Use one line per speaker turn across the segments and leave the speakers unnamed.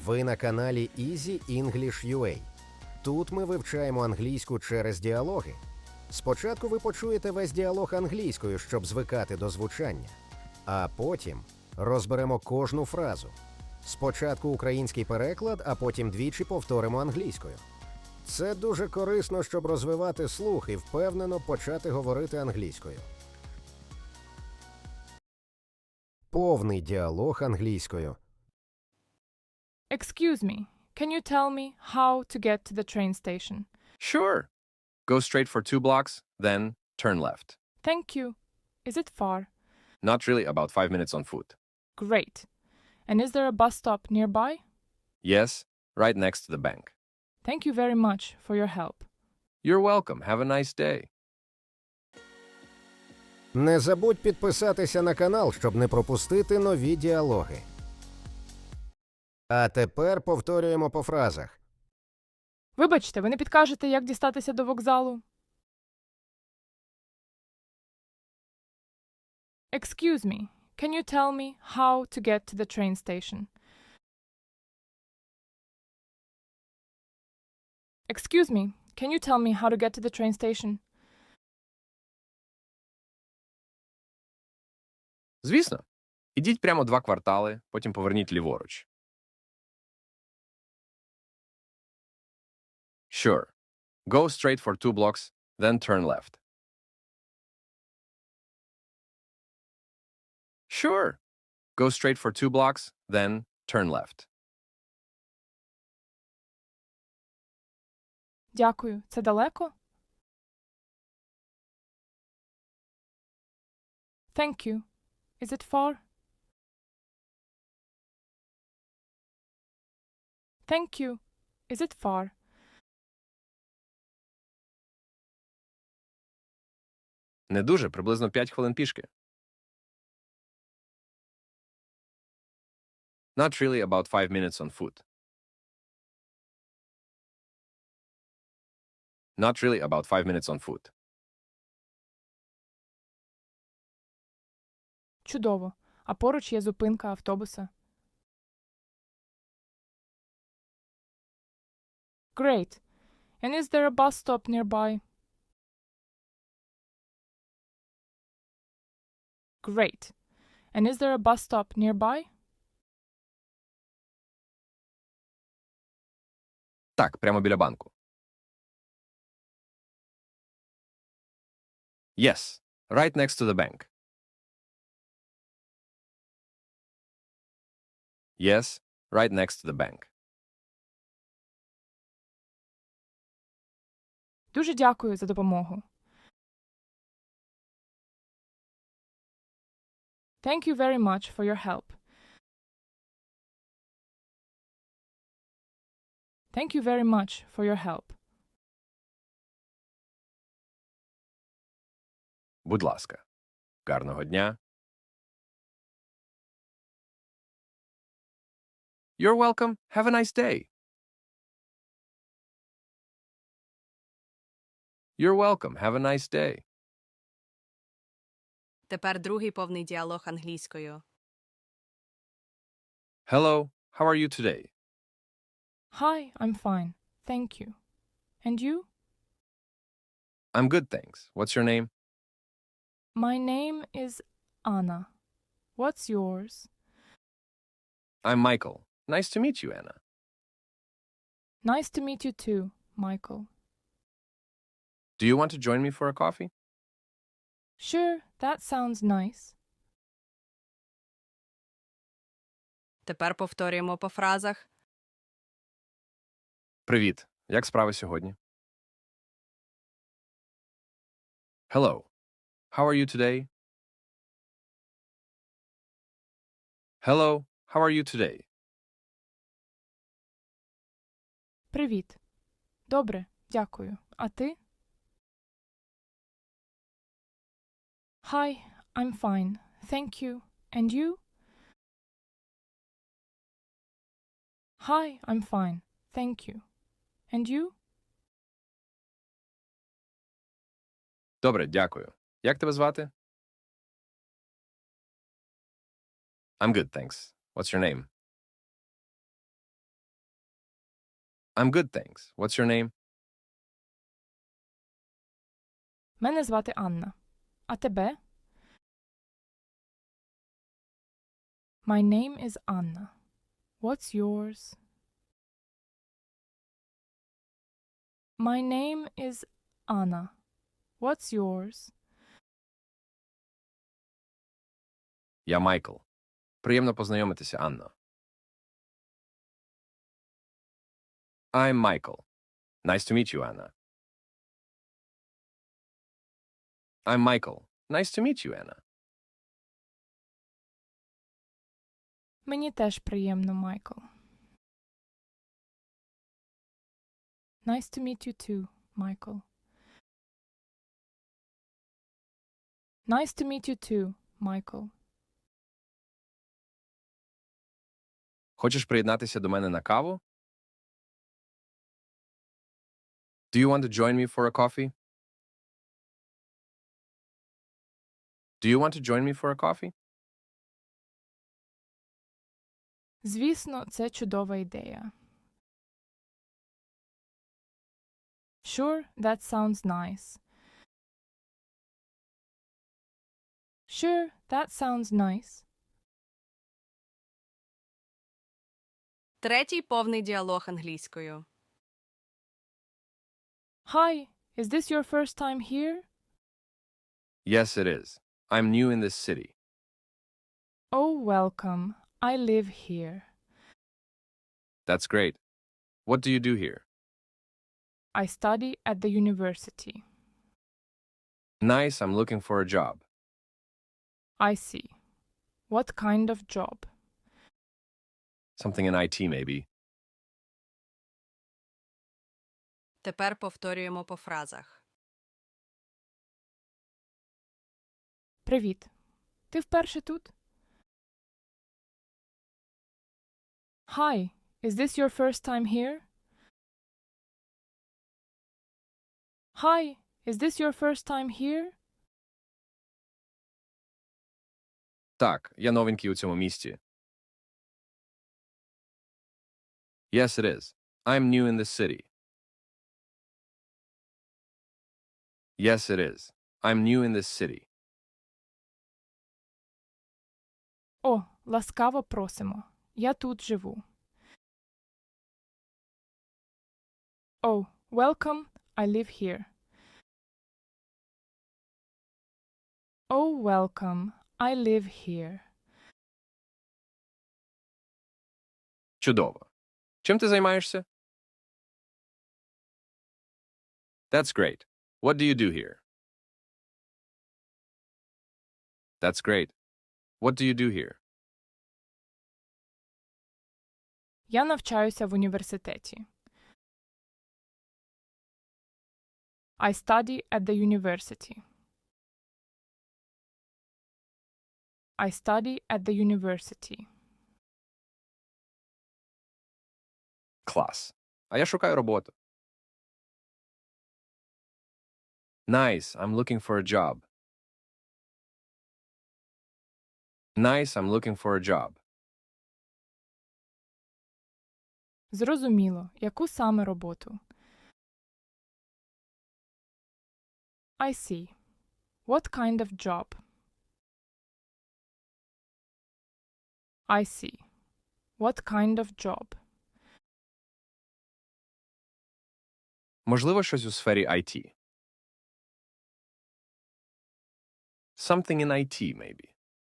Ви на каналі Easy English UA. Тут ми вивчаємо англійську через діалоги. Спочатку ви почуєте весь діалог англійською, щоб звикати до звучання. А потім розберемо кожну фразу. Спочатку український переклад, а потім двічі повторимо англійською. Це дуже корисно, щоб розвивати слух і впевнено почати говорити англійською. Повний діалог англійською.
Excuse me, can you tell me how to get to the train station?
Sure. Go straight for 2 blocks, then turn left.
Thank you. Is it far?
Not really, about 5 minutes on foot.
Great. And is there a bus stop nearby?
Yes, right next to the bank.
Thank you very much for your help.
You're welcome. Have a nice day.
Не забудь підписатися на канал, щоб не пропустити нові діалоги. А тепер повторюємо по фразах.
Вибачте, ви не підкажете, як дістатися до вокзалу? Excuse me, can you tell me how to get to the train station? Excuse me, can you tell me how to get to the train station?
Звісно. Ідіть прямо 2 квартали, потім поверніть ліворуч. Sure. Go straight for 2 blocks, then turn left. Sure. Go straight for 2 blocks, then turn left.
Дякую. Це далеко? Thank you. Is it far? Thank you. Is it far?
Не дуже, приблизно 5 хвилин пішки. Not really, about 5 minutes on foot. Not really, about 5 minutes on foot.
Чудово. А поруч є зупинка автобуса. Great. And is there a bus stop nearby? Great. And is there a bus stop nearby?
Так, прямо біля банку. Yes, right next to the bank. Yes, right next to the bank.
Дуже дякую за допомогу. Thank you very much for your help. Thank you very much for your help.
Будь ласка. Гарного дня. You're welcome. Have a nice day. You're welcome. Have a nice day.
Тепер другий повний діалог англійською.
Hello, how are you today?
Hi, I'm fine. Thank you. And you?
I'm good, thanks. What's your name?
My name is Anna. What's yours?
I'm Michael. Nice to meet you, Anna.
Nice to meet you too, Michael.
Do you want to join me for a coffee?
Sure, that sounds nice.
Тепер повторюємо по фразах.
Привіт. Як справи сьогодні? Hello. How are you today? Hello. How are you today?
Привіт. Добре, дякую. А ти? Hi, I'm fine. Thank you. And you? Hi, I'm fine. Thank you. And you?
Добре, дякую. Як тебе звати? I'm good, thanks. What's your name? I'm good, thanks. What's your name?
Мене звати Анна. А тебе? My name is Anna. What's yours? My name is Anna. What's yours?
Я Майкл. Приємно познайомитися, Анна. I'm Michael. Nice to meet you, Anna. I'm Michael. Nice to meet you, Anna.
Мені теж приємно, Майкл. Nice to meet you too, Michael. Nice to meet you too, Michael.
Хочеш приєднатися до мене на каву? Do you want to join me for a coffee? Do you want to join me for a coffee?
Звісно, це чудова ідея. Sure, that sounds nice. Sure, that sounds nice.
Третій повний діалог англійською.
Hi, is this your first time here?
Yes, it is. I'm new in this city.
Oh, welcome. I live here.
That's great. What do you do here?
I study at the university.
Nice, I'm looking for a job.
I see. What kind of job?
Something in IT, maybe.
Тепер повторюємо по фразах.
Привіт. Ти вперше тут? Hi, is this your first time here? Hi, is this your first time here?
Так, я новенький у цьому місті. Yes, it is. I'm new in this city. Yes, it is. I'm new in this city.
О, ласкаво просимо. Я тут живу. Oh, welcome. I live here. Oh, welcome. I live here.
Чудово. Чим ти займаєшся? That's great. What do you do here? That's great. What do you do here?
Я навчаюся в університеті. I study at the university. I study at the university.
Клас. А я шукаю роботу. Nice, I'm looking for a job. Nice, I'm looking for a job.
Зрозуміло. Яку саме роботу? I see. What kind of job? I see. What kind of job?
Можливо, щось у сфері IT. Something in IT, maybe.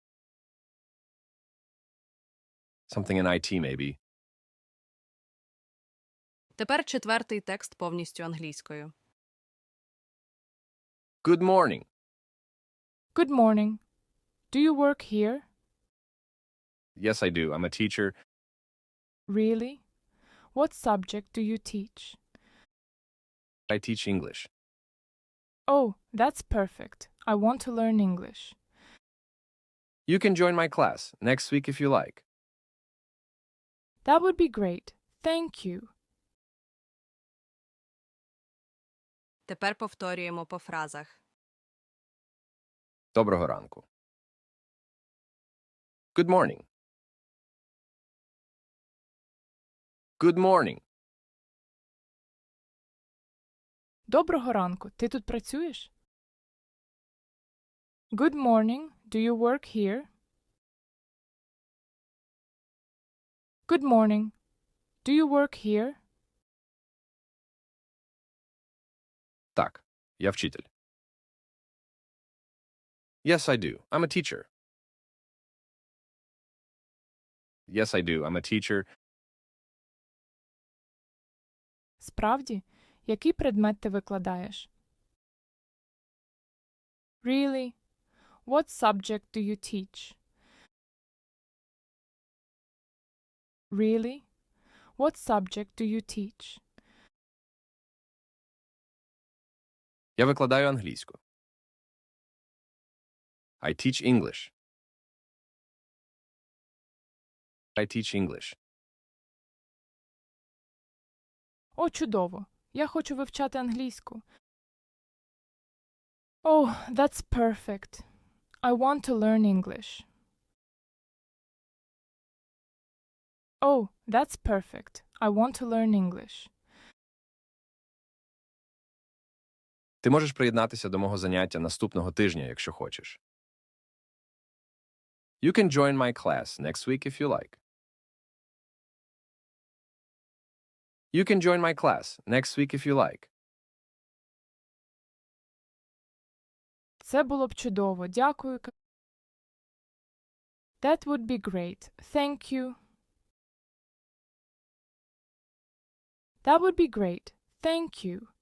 Something in IT, maybe.
Тепер четвертий текст повністю англійською.
Good morning.
Good morning. Do you work here?
Yes, I do. I'm a teacher.
Really? What subject do you teach?
I teach English.
Oh, that's perfect. I want to learn English.
You can join my class next week if you like.
That would be great. Thank you.
Тепер повторюємо по фразах.
Доброго ранку. Good morning. Good morning.
Доброго ранку. Ти тут працюєш? Good morning. Do you work here? Good morning. Do you work here?
Так, я вчитель. Yes, I do. I'm a teacher. Yes, I do. I'm a teacher.
Справді? Який предмет ти викладаєш? Really? What subject do you teach? Really? What subject do you teach?
Я викладаю англійську. I teach English. I teach English.
О, чудово. Я хочу вивчати англійську. Oh, that's perfect. I want to learn English. Oh, that's perfect. I want to learn English.
Ти можеш приєднатися до мого заняття наступного тижня, якщо хочеш. You can join my class next week if you like. You can join my class next week if you like.
Це було б чудово. Дякую. That would be great. Thank you. That would be great. Thank you.